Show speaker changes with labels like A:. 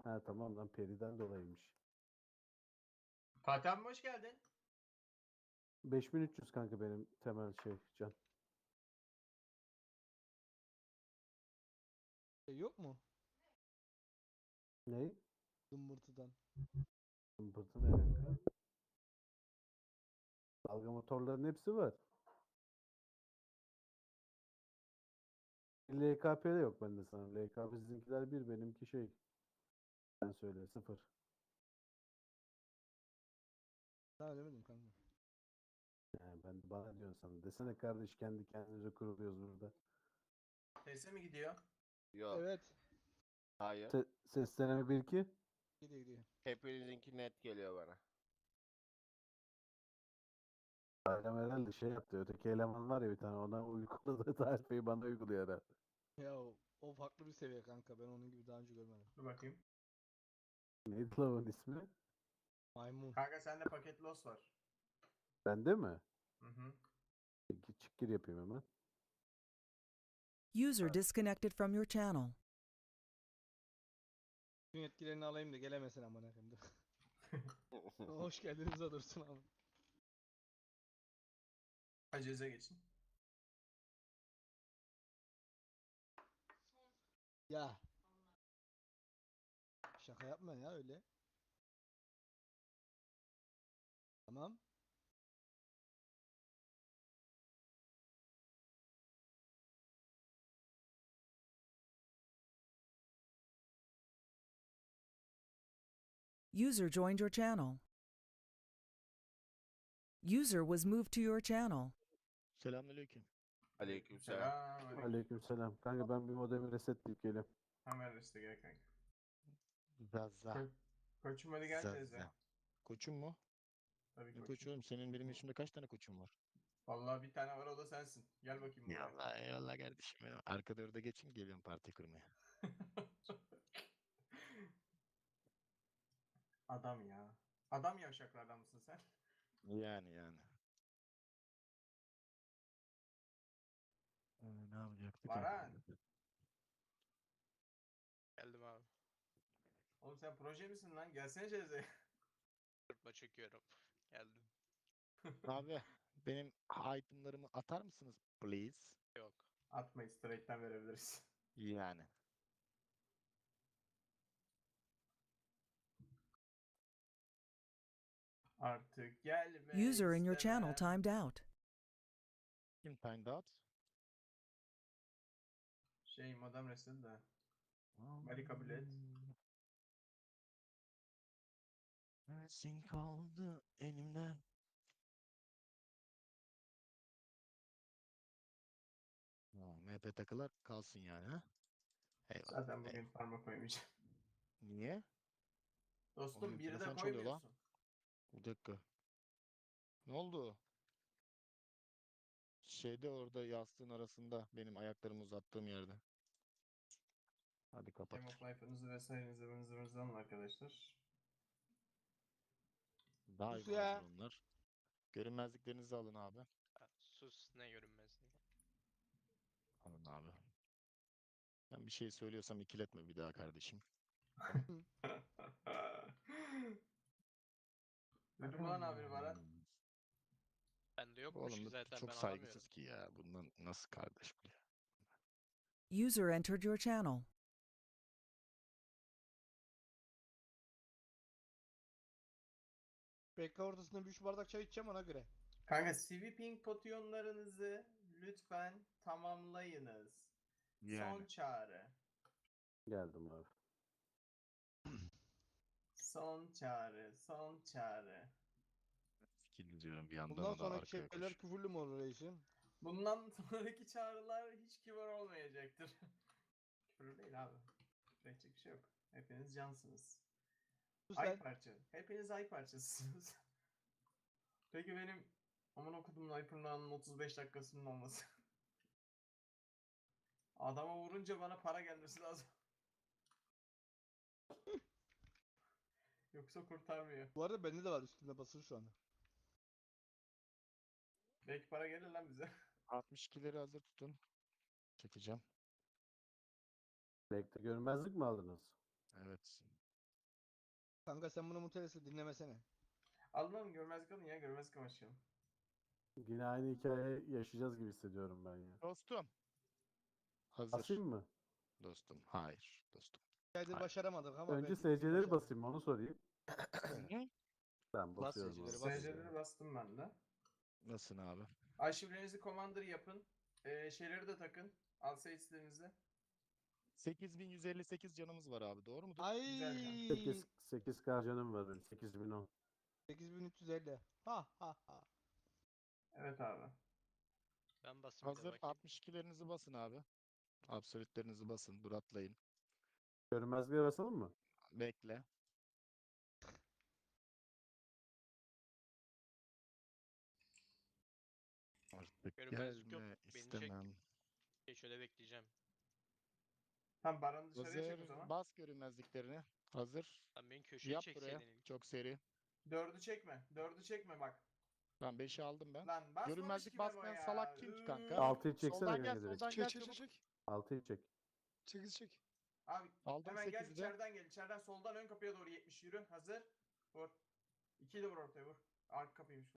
A: Ha tamam lan periden dolayıymış.
B: Fatih abi hoş geldin.
A: 5300 kanka benim temel can.
C: Yok mu?
A: Ne?
C: Zımbırtıdan.
A: Zımbırtı ne kanka? Dalga motorların hepsi var. LKP'de yok bende sana. LKP sizinkiler bir, benimki şey. Sen söyle 0.
C: Sana demedim kanka.
A: Yani ben bana diyorsun sana. Desene kardeş kendi kendimize kuruluyoruz burada.
B: Teste mi gidiyor?
D: Yok.
C: Evet.
D: Hayır.
A: Ses deneme 1-2.
C: Gidiyor gidiyor.
D: Hepinizinki net geliyor bana.
A: Bayram herhalde şey yaptı. Öteki eleman var ya bir tane ona uyguladığı tarifeyi bana uyguluyor herhalde.
C: Ya o farklı bir seviye kanka. Ben onun gibi daha önce görmedim.
B: Dur bakayım.
A: Neydi lan onun ismi?
C: Maymun.
B: Kanka sende paket loss var.
A: Bende mi?
B: Hı hı.
A: Peki çık gir yapayım hemen.
E: User disconnected from your channel.
C: Bütün yetkilerini alayım da gelemesin amına koyayım. Dur. Hoş geldiniz Dursun abi.
B: Aceze geçin.
C: Ya. Şaka yapma ya öyle. Tamam.
E: User joined your channel. User was moved to your channel.
F: Selamünaleyküm.
D: Aleykümselam.
B: Selam.
A: Aleykümselam. Kanka ben bir modemi resetleyip geliyorum.
B: Hemen reste gel kanka.
F: Zaza.
B: Koçum hadi gel teyze.
F: Zaza. Koçum mu?
B: Tabii
F: Ne
B: koçum.
F: koçu oğlum? Senin benim yaşımda kaç tane koçum var?
B: Vallahi bir tane var o da sensin. Gel bakayım buraya.
F: Eyvallah eyvallah kardeşim benim. Arkada orada geçin geliyorum parti kurmaya.
B: Adam ya. Adam yavşaklardan mısın sen?
F: Yani. Ne yapacaktık?
B: Baran.
G: Geldim abi.
B: Oğlum sen proje misin lan? Gelsene Ceza'ya.
G: Sırtma çekiyorum. Geldim.
F: Abi benim itemlarımı atar mısınız please?
G: Yok.
B: Atmayı straight'ten verebiliriz.
F: Yani.
B: Artık gelme
E: User in your channel
B: istemem.
E: timed out.
F: Kim timed out?
B: Şey modem resim de. Bari kabul et.
F: Neresin kaldı elimde? MP takılar kalsın yani ha? Eyvallah.
B: Zaten bugün parmak koymayacağım.
F: Niye?
B: Dostum
F: Oğlum,
B: biri de
F: telefon çalıyor lan.
B: koymuyorsun.
F: Bir dakika. Ne oldu? Şeyde orada yastığın arasında benim ayaklarımı uzattığım yerde. Hadi kapat.
B: Game of Life'ınızı vesairenizi ıvınızı alın arkadaşlar.
F: Daha iyi
C: Sus ya.
F: hazır onlar. Görünmezliklerinizi alın abi.
G: Ha, sus ne görünmezliği.
F: Alın abi. Ben bir şey söylüyorsam ikiletme bir daha kardeşim.
B: Duydun mu lan abini Baran?
G: Bende yokmuş
F: Oğlum
G: ki
F: bu
G: zaten
F: çok
G: ben alamıyorum.
F: saygısız ki ya. Bundan nasıl kardeş bu ya?
E: User entered your channel.
C: Bekle ortasında bir 3 bardak çay içeceğim ona göre.
B: Kanka sweeping potyonlarınızı lütfen tamamlayınız. Son çağrı.
A: Geldim abi.
B: Son çağrı. Son çağrı.
F: Skill diyorum bir yandan
C: Bundan
F: o da
C: sonraki
F: arkaya
C: şeyler
F: koş.
C: küfürlü mü olur reisim?
B: Bundan sonraki çağrılar hiç kibar olmayacaktır. Küfür değil abi. Küfür bir şey yok. Hepiniz cansınız.
C: Sus
B: Ay
C: lan.
B: parça. Hepiniz ay parçasısınız. Peki benim aman okudum Hyper'ın 35 dakikasının olması. Adama vurunca bana para gelmesi lazım. Yoksa kurtarmıyor.
C: Bu arada bende de var üstünde basılı şu anda.
B: Belki para gelir lan bize.
F: 62'leri hazır tutun. Çekeceğim.
A: Bekle görünmezlik mi aldınız?
F: Evet.
C: Kanka sen bunu mutelesi dinlemesene.
B: Alın görmezlik alın ya, görmezlik başlayalım.
A: Yine aynı hikaye yaşayacağız gibi hissediyorum ben ya.
F: Dostum. Hazır.
A: Basayım mı?
F: Dostum. Hayır. Dostum.
C: Aydır
F: Hayır.
C: başaramadık ama
A: Önce
C: belki bir gün
A: SC'leri
C: başarırız.
A: basayım onu sorayım.
F: Hı?
A: Ben
C: Bas
A: basıyorum.
C: SC'leri,
A: abi.
C: bas.
B: SC'leri bastım ben de.
F: Nasılsın abi?
B: Arşivlerinizi Commander yapın. Şeyleri de takın. Alsage'lerinizi.
F: 8158 canımız var abi. Doğru mudur?
C: Ay
B: Güzel can.
A: 8K canım var benim. 8010.
C: 8350. Ha ha ha.
B: Evet abi.
G: Ben basayım bir de
F: Hazır.
G: bakayım.
F: 62'lerinizi basın abi. Absolutlerinizi basın. Dur atlayın.
A: Görünmezliğe basalım mı?
F: Bekle. Artık
G: Görünmezlik yok.
F: gelme
G: Beni çek.
F: istemem.
G: Şöyle bekleyeceğim.
B: Tam Baran'ı dışarıya çek o
F: Hazır.
B: zaman.
F: Bas görünmezliklerini. Hazır.
G: Lan beni köşeye
F: Yap buraya.
G: çekseydin ilk.
F: Çok seri.
B: 4'ü çekme. 4'ü çekme bak.
F: Tamam 5'i aldım ben.
B: Lan basmamış
F: Görünmezlik
B: ki Memo
F: basmayan
B: ya.
F: salak kim ki kanka?
A: 6'yı çeksene
F: Soldan
A: kanka
F: gel,
A: direkt.
F: soldan gel çabuk.
A: 6'yı çek.
H: 8 çek.
B: Abi
F: Aldım
B: hemen gel
F: 8'i de.
B: içeriden gel. İçeriden soldan ön kapıya doğru 70 yürü. Hazır. Vur. 2'yi de vur ortaya vur. Arka kapıymış.